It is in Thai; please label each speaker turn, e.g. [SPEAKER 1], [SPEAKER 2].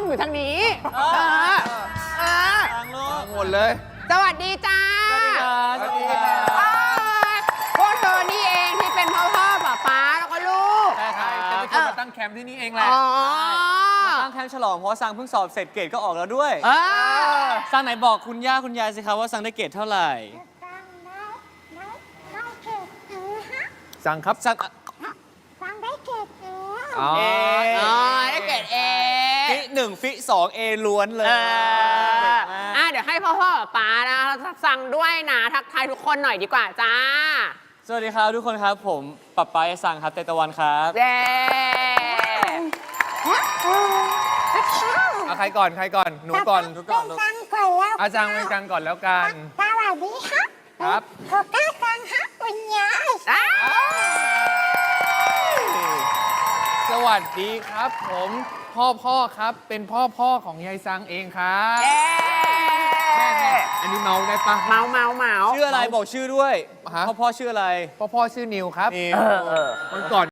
[SPEAKER 1] อยู่ทางนี้
[SPEAKER 2] ทางโลก
[SPEAKER 3] หมดเลย
[SPEAKER 1] สวัสดีจ้า
[SPEAKER 2] สวัสดีครับ
[SPEAKER 1] พวกเธอนี่เองที่เป็นพ่อป๊าแล้วก็ลูก
[SPEAKER 2] ใช่ครับจะไปชวนมาตั้งแคมป์ที่นี่เองแหละ
[SPEAKER 4] ตั้งแคมป์ฉลองเพราะซังเพิ่งสอบเสร็จเกรดก็ออกแล้วด้วย
[SPEAKER 1] เออ
[SPEAKER 4] ซังไหนบอกคุณย่าคุณยายสิครับว่าซังได้เกรดเท่าไหร่
[SPEAKER 3] สั่งครับ
[SPEAKER 4] ซัง
[SPEAKER 5] ฟังได้เก็บแล้ว
[SPEAKER 3] อ๋อ
[SPEAKER 1] ได้เกรดเอ
[SPEAKER 4] ฟิ1ฟิ2 A ล้วนเลย
[SPEAKER 1] เดี๋ยวให้พ่อป๊านะสั่งด้วยนะทักทายทุกคนหน่อยดีกว่าจ้า
[SPEAKER 4] สวัสดีครับทุกคนครับผมปับปายซังครับเตตะวันครับ
[SPEAKER 1] เย้
[SPEAKER 3] เอาใครก่อน หนูก่อน
[SPEAKER 4] ทุกก่อนลูก
[SPEAKER 5] ฟังก่อนแล้ว
[SPEAKER 3] อาจารย์เป็นกลางก่อนแล้วกัน
[SPEAKER 5] สวัสดีครับ
[SPEAKER 3] ครับ
[SPEAKER 5] ขอก้าฟังครับคุณยาย
[SPEAKER 3] สวัสดีครับ ผมพ่อครับเป็นพ่อของยายซังเองครับ
[SPEAKER 1] เย้
[SPEAKER 3] แม่อันนี้เมาได้ปะ
[SPEAKER 1] เมา
[SPEAKER 4] ชื่ออะไรบอกชื่อด้วย
[SPEAKER 3] ฮะ
[SPEAKER 4] พ่อชื่ออะไร
[SPEAKER 3] พ่อชื่อนิวครับ
[SPEAKER 4] นี่
[SPEAKER 3] วันก่อน